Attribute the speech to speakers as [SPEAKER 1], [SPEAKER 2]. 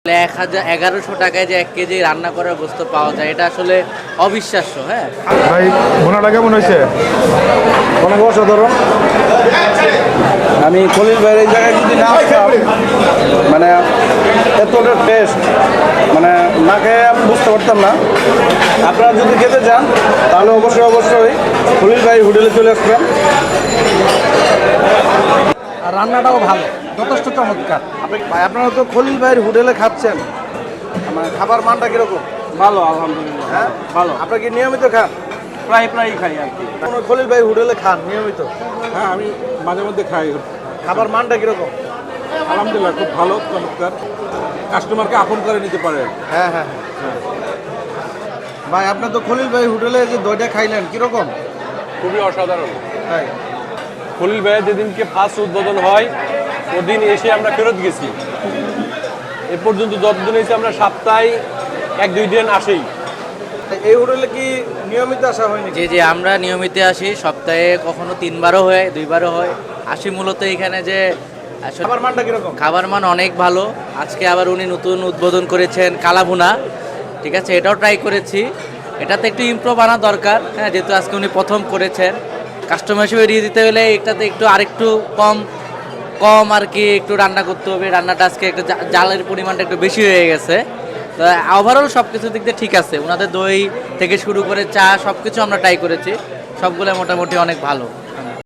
[SPEAKER 1] 1100 টাকায় যে 1 কেজি রান্না করার গোস্ত পাওয়া যায়, এটা আসলে অবিশ্বাস্য। হ্যাঁ
[SPEAKER 2] ভাই, ভুনাটা কেমন হয়েছে?
[SPEAKER 3] অনেক অসাধারণ। আমি খলিল ভাইয়ের এই জায়গায় যদি না আসতাম, মানে এতটা টেস্ট মানে না খেয়ে আমি বুঝতে পারতাম না। আপনারা যদি খেতে চান তাহলে অবশ্যই খলিল ভাই হোটেলে চলে আসবেন।
[SPEAKER 4] আর রান্নাটাও ভালো, যথেষ্ট চমৎকার।
[SPEAKER 3] ভাই, আপনারা তো খলিল ভাইয়ের হোটেলে খাচ্ছেন, মানে খাবার মানটা কীরকম?
[SPEAKER 4] ভালো, আলহামদুলিল্লাহ।
[SPEAKER 3] হ্যাঁ
[SPEAKER 4] ভালো,
[SPEAKER 3] আপনারা কি নিয়মিত খান?
[SPEAKER 4] প্রায়ই খাই আর কি।
[SPEAKER 3] খলিল ভাই হোটেলে খান নিয়মিত?
[SPEAKER 2] হ্যাঁ, আমি মাঝে মধ্যে খাই।
[SPEAKER 3] খাবার মানটা কীরকম?
[SPEAKER 2] আলহামদুলিল্লাহ, খুব ভালো, চমৎকার। কাস্টমারকে আপন করে নিতে পারে।
[SPEAKER 3] হ্যাঁ হ্যাঁ হ্যাঁ। ভাই, আপনি তো খলিল ভাই হোটেলে যে দইটা খাইলেন কীরকম?
[SPEAKER 5] খুবই অসাধারণ।
[SPEAKER 3] তাই?
[SPEAKER 5] খলিল ভাইয়ের যেদিনকে ফার্স্ট উদ্বোধন হয় ওদিন এসে আমরা ফেরত গেছি। এ পর্যন্ত যতদিন হয়েছে আমরা সপ্তাহে 1-2 দিন আসেই।
[SPEAKER 3] এই হোটেলে কি নিয়মিত আসা হয়নি?
[SPEAKER 1] যে আমরা নিয়মিত আসি, সপ্তাহে কখনো 3বারও হয়, 2বারও হয় আসি। মূলত এখানে যে আসলে
[SPEAKER 3] খাবার মানটা কীরকম?
[SPEAKER 1] খাবার মান অনেক ভালো। আজকে আবার উনি নতুন উদ্বোধন করেছেন কালাভুনা, ঠিক আছে, এটাও ট্রাই করেছি। এটাতে একটু ইমপ্রুভ আনা দরকার। হ্যাঁ, যেহেতু আজকে উনি প্রথম করেছেন, কাস্টমার হিসেবে দিয়ে দিতে হলে এটাতে একটু আরেকটু কম আর কি একটু রান্না করতে হবে। রান্নাটা আজকে একটু জালের পরিমাণটা একটু বেশি হয়ে গেছে। তো ওভারঅল সব কিছু দিক দিয়ে ঠিক আছে। ওনাদের দই থেকে শুরু করে চা সব কিছু আমরা ট্রাই করেছি, সবগুলো মোটামুটি অনেক ভালো।